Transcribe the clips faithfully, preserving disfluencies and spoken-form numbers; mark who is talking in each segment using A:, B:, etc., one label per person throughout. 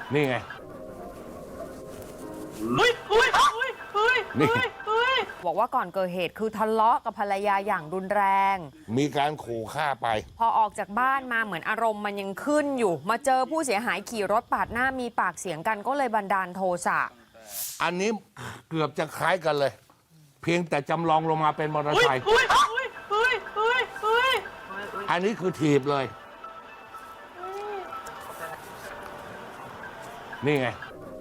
A: นี่ไงนี่
B: บอกว่าก่อนเกิดเหตุคือทะเลาะกับภรรยาอย่างรุนแรง
A: มีการขู่ฆ่าไป
B: พอออกจากบ้านมาเหมือนอารมณ์มันยังขึ้นอยู่มาเจอผู้เสียหายขี่รถปาดหน้ามีปากเสียงกันก็เลยบันดาลโทสะ
A: อันนี้เกือบจะคล้ายกันเลย เพียงแต่จำลองลงมาเป็นมอเตอร์ไซค์อันนี้คือถีบเลยนี่ไง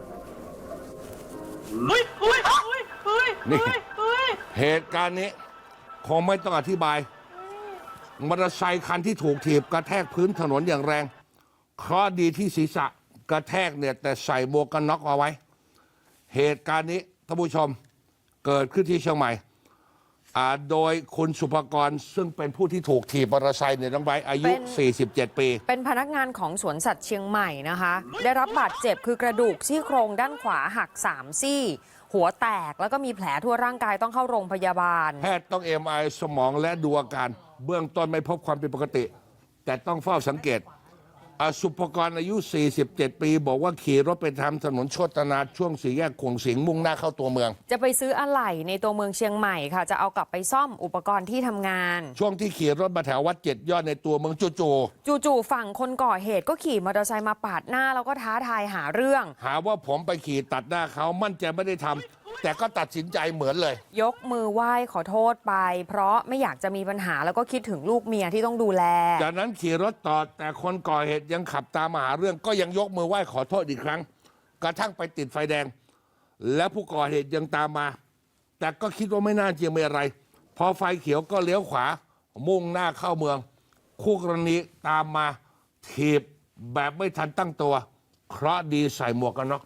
A: นี่เหตุการณ์นี้คงไม่ต้องอธิบายมอเตอร์ไซค์คันที่ถูกถีบกระแทกพื้นถนนอย่างแรงเคราะห์ดีที่ศีรษะกระแทกเนี่ยแต่ใส่หมวกกันน็อกเอาไว้เหตุการณ์นี้ท่านผู้ชมเกิดขึ้นที่เชียงใหม่โดยคุณสุภกรซึ่งเป็นผู้ที่ถูกถีบมอเตอร์ไซค์เนี่ยน้องใบอายุ สี่สิบเจ็ด ปี
B: เป็นพนักงานของสวนสัตว์เชียงใหม่นะคะได้รับบาดเจ็บคือกระดูกซี่โครงด้านขวาหักสามซี่หัวแตกแล้วก็มีแผลทั่วร่างกายต้องเข้าโรงพยาบาล
A: แพทย์ต้อง เอ็ม ไอ สมองและดูอาการเบื้องต้นไม่พบความผิดปกติแต่ต้องเฝ้าสังเกตสุภกรอายุ สี่สิบเจ็ด ปีบอกว่าขี่รถไปทำถนนโชตนาช่วงสี่แยกขวงสิงห์มุ่งหน้าเข้าตัวเมือง
B: จะไปซื้ออะไหล่ในตัวเมืองเชียงใหม่ค่ะจะเอากลับไปซ่อมอุปกรณ์ที่ทำงาน
A: ช่วงที่ขี่รถมาแถววัดเจ็ดยอดในตัวเมืองจู่
B: ๆจู่ๆฝั่งคนก่อเหตุก็ขี่มอเตอร์ไซค์มาปาดหน้าแล้วก็ท้าทายหาเรื่อง
A: หาว่าผมไปขี่ตัดหน้าเขามั่นใจไม่ได้ทำแต่ก็ตัดสินใจเหมือนเลย
B: ยกมือไหว้ขอโทษไปเพราะไม่อยากจะมีปัญหาแล้วก็คิดถึงลูกเมียที่ต้องดูแล
A: จากนั้นขี่รถต่อแต่คนก่อเหตุยังขับตามมาหาเรื่องก็ยังยกมือไหว้ขอโทษอีกครั้งกระทั่งไปติดไฟแดงและผู้ก่อเหตุยังตามมาแต่ก็คิดว่าไม่น่าจะมีอะไรพอไฟเขียวก็เลี้ยวขวามุ่งหน้าเข้าเมืองคู่กรณีตามมาถีบแบบไม่ทันตั้งตัวเคราะห์ดีใส่หมวกกันน็อก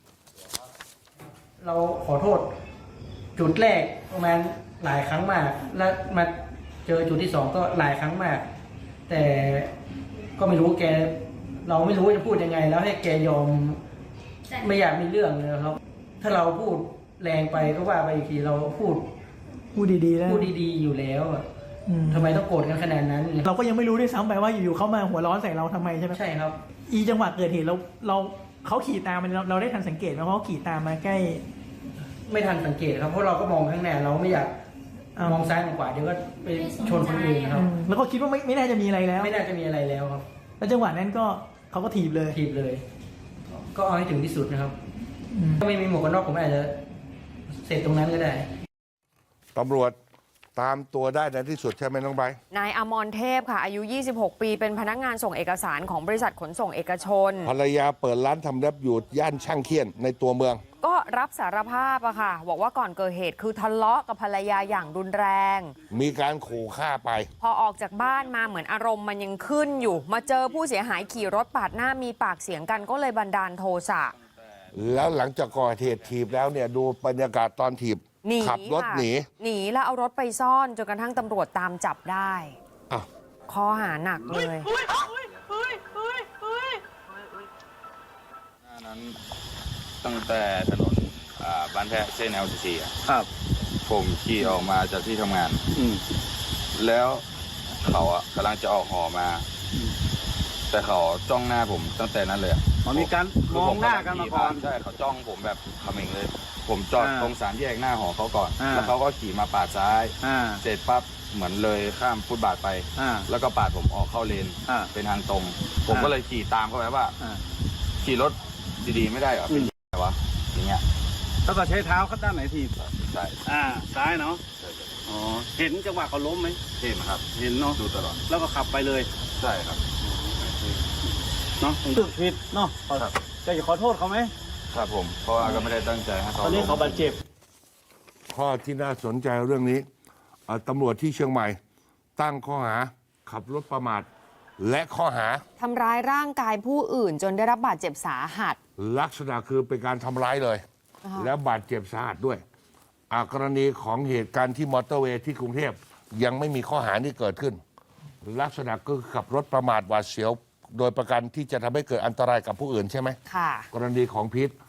C: เราขอโทษจุดแรกประมาณหลายครั้งมากแล้วมาเจอจุดที่สองก็หลายครั้งมากแต่ก็ไม่รู้แกเราไม่รู้จะพูดยังไงแล้วให้แกยอมไม่อยากมีเรื่องเลยครับถ้าเราพูดแรงไปก็ว่าไปอีกทีเราพูด
D: พูดดีๆแล้ว
C: พูดดีๆอยู่แล้วทำไมต้องโกรธกันขนาดนั้น
D: เราก็ยังไม่รู้ด้วยซ้ำไปว่าอยู่ๆเขามาหัวร้อนใส่เราทำไมใช่ไหม
C: ใช่ครับ
D: อีจังหวะเกิดเหตุเราเราเขาขี่ตามมันเราได้ทันสังเกตไหมเพราะเขาขี่ตามมาใกล้
C: ไม่ทันสังเกตครับเพราะเราก็มองข้างหน้าเราไม่อยากมองซ้ายมองขวาเดี๋ยวก็ไปชนคนอื่นครับ
D: แล้วก็คิดว่าไม่ไม่น่าจะมีอะไรแล้ว
C: ไม่น่าจะมีอะไรแล้วครับ
D: แล้วจังหวะนั้นก็เขาก็ถีบเลย
C: ถีบเลยก็เอาให้ถึงที่สุดนะครับถ้าไม่มีหมวกกันน็อกผมอาจจะเสร็จตรงนั้นก็ได้
A: ตำรวจตามตัวได้ในที่สุดใช่ไหมน้องใบ
B: นายอมรเทพค่ะอายุยี่สิบหกปีเป็นพนักงานส่งเอกสารของบริษัทขนส่งเอกชน
A: ภรรยาเปิดร้านทำเล็บอยู่ย่านช่างเคียนในตัวเมือง
B: ก็รับสารภาพอะค่ะบอกว่าก่อนเกิดเหตุคือทะเลาะกับภรรยาอย่างรุนแรง
A: มีการขู่ฆ่าไป
B: พอออกจากบ้านมาเหมือนอารมณ์มันยังขึ้นอยู่มาเจอผู้เสียหายขี่รถปาดหน้ามีปากเสียงกันก็เลยบันดาลโทสะ
A: แล้วหลังจากก่อเหตุถีบแล้วเนี่ยดูบรรยากาศตอนถีบขับรถหนี
B: หนีแล้วเอารถไปซ่อนจนกระทั่งตำรวจตามจับได้ข้อหาหนักเลย
E: นั้นตั้งแต่ถนนบ้านแพะเส้น แอล ซี ซี
C: ครับ
E: ผมขี่ออกมาจากที่ทำงานแล้วเขาอ่ะกำลังจะออกหอมาแต่เขาจ้องหน้าผมตั้งแต่นั้นเลย
C: อ๋อมีการมองหน้ากันมาก่อน
E: ใช่เขาจ้องผมแบบเขม่งเลยผมจอดตรงสามแยกหน้าหอเขาก่อนแล้วเขาก็ขี่มาปาดซ้ายเสร็จปั๊บเหมือนเลยข้ามฟุตบาทไปแล้วก็ปาดผมออกเข้าเลนเป็นทางตรงผมก็เลยขี่ตามเข้าไปว่าขี่รถดีๆไม่ได้เหรอเป็นยังไงวะอย่างเงี้ย
C: แล้วก็ใช้เท้าข้างด้านไหนที
E: ใช่
C: อ่าซ้ายเนาะอ๋อเห็นจังหวะเขาล้มไหม
E: เห็นครับ
C: เห็นเนาะ
E: ดูตลอด
C: แล้วก็ขับไปเลย
E: ใช่ครับ
C: เนาะถูกผิดเนาะ
E: ครับ
C: จะขอโทษเขาไหม
E: ครับผมเพราะว่าก็ไม่ได้ตั้งใจให้เขา
C: ตอนนี้เขาบาดเจ็บ
A: ข้อที่น่าสนใจเรื่องนี้ตำรวจที่เชียงใหม่ตั้งข้อหาขับรถประมาทและข้อหา
B: ทำร้ายร่างกายผู้อื่นจนได้รับบาดเจ็บสาหัส
A: ลักษณะคือเป็นการทำร้ายเลยและบาดเจ็บสาหัสด้วยกรณีของเหตุการณ์ที่มอเตอร์เวย์ที่กรุงเทพยังไม่มีข้อหานี้เกิดขึ้นลักษณะก็คือขับรถประมาทหวาดเสียวโดยประการที่จะทำให้เกิดอันตรายกับผู้อื่นใช่ไหม
B: ค่ะ
A: กรณีของพีท